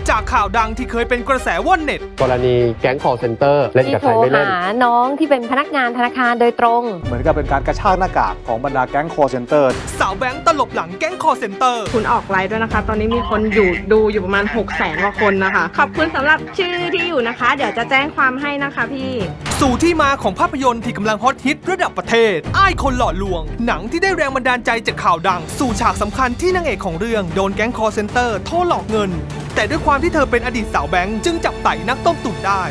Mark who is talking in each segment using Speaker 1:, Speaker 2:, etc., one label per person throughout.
Speaker 1: จากข่าวดังที่เคยเป็นกระแสว่อนเน็ต
Speaker 2: กรณีแก๊ง call center เล่นกับใครไม่เล่น
Speaker 3: ที่โทรหาน้องที่เป็นพนักงานธนาคารโดยตรง
Speaker 4: เหมือนกับเป็นการกระชากหน้ากากของบรรดาแก๊ง call center
Speaker 1: สาวแบงค์ตลบหลังแก๊งคอร์เซ็นเตอร์
Speaker 5: คุณออกไลฟ์ด้วยนะคะ ตอนนี้มีคนดูอยู่ประมาณ 600,000 กว่าคนนะคะ ขอบคุณสำหรับชื่อที่อยู่นะคะ เดี๋ยวจะแจ้งความให้นะคะพี่
Speaker 1: สู่ที่มาของภาพยนตร์ที่กำลังฮอตฮิตระดับประเทศอ้ายคนหล่อลวงหนังที่ได้แรงบันดาลใจจากข่าวดังสู่ฉากสำคัญที่นางเอกของเรื่องโดนแก๊งคอร์เซ็นเตอร์โทรหลอกเงินแต่ด้วยความที่เธอเป็นอดีตสาวแบงค์จึงจับไต่นักต้มตุ๋นได้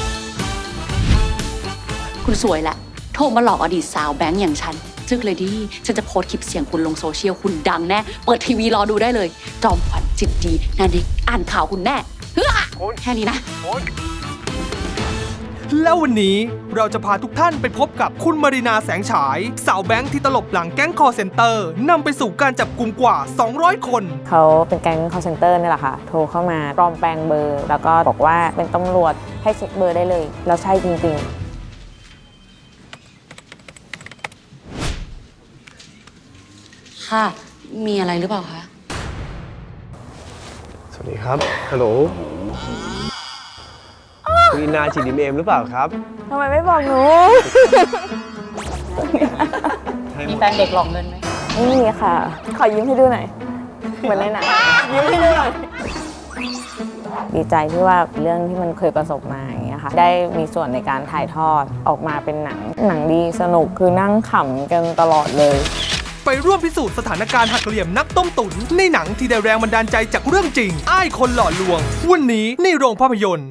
Speaker 6: คุณสวยแหละโทรมาหลอกอดีตสาวแบงค์อย่างฉันจึกเลยดิฉันจะโพสต์คลิปเสียงคุณลงโซเชียลคุณดังแน่เปิดทีวีรอดูได้เลยจอมขวัญจิตดีนาเด็กอ่านข่าวคุณแน่เฮ้อแค่นี้นะ
Speaker 1: แล้ววันนี้เราจะพาทุกท่านไปพบกับคุณมารินาแสงฉายสาวแบงค์ที่ตลบหลังแก๊งคอร์เซ็นเตอร์นำไปสู่การจับกลุ่มกว่า200คน
Speaker 3: เขาเป็นแก๊ง call center นี่แหละค่ะโทรเข้ามาปลอมแปลงเบอร์แล้วก็บอกว่าเป็นตำรวจให้เช็คเบอร์ได้เลยแล้วใช่จริง
Speaker 6: ๆค่ะมีอะไรหรือเปล่าคะ
Speaker 2: สวัสดีครับ ฮัลโหลวีนาฉีดดิมเอมหรือเปล่าครับ
Speaker 3: ทำไมไม่บอกหนู
Speaker 6: มีแฟนเด็กหลอกเงินไหม
Speaker 3: ไม่มีค่ะขอยิ้มให้ดูหน่อยเหมือนในหนังยิ้มให้ดูหน่อยดีใจที่ว่าเรื่องที่มันเคยประสบมาอย่างเงี้ยค่ะได้มีส่วนในการถ่ายทอดออกมาเป็นหนังดีสนุกคือนั่งขำกันตลอดเลย
Speaker 1: ไปร่วมพิสูจน์สถานการณ์หักเหลี่ยมนักต้มตุ๋นในหนังที่ได้แรงบันดาลใจจากเรื่องจริงอ้ายคนหล่อลวงวันนี้ในโรงภาพยนตร์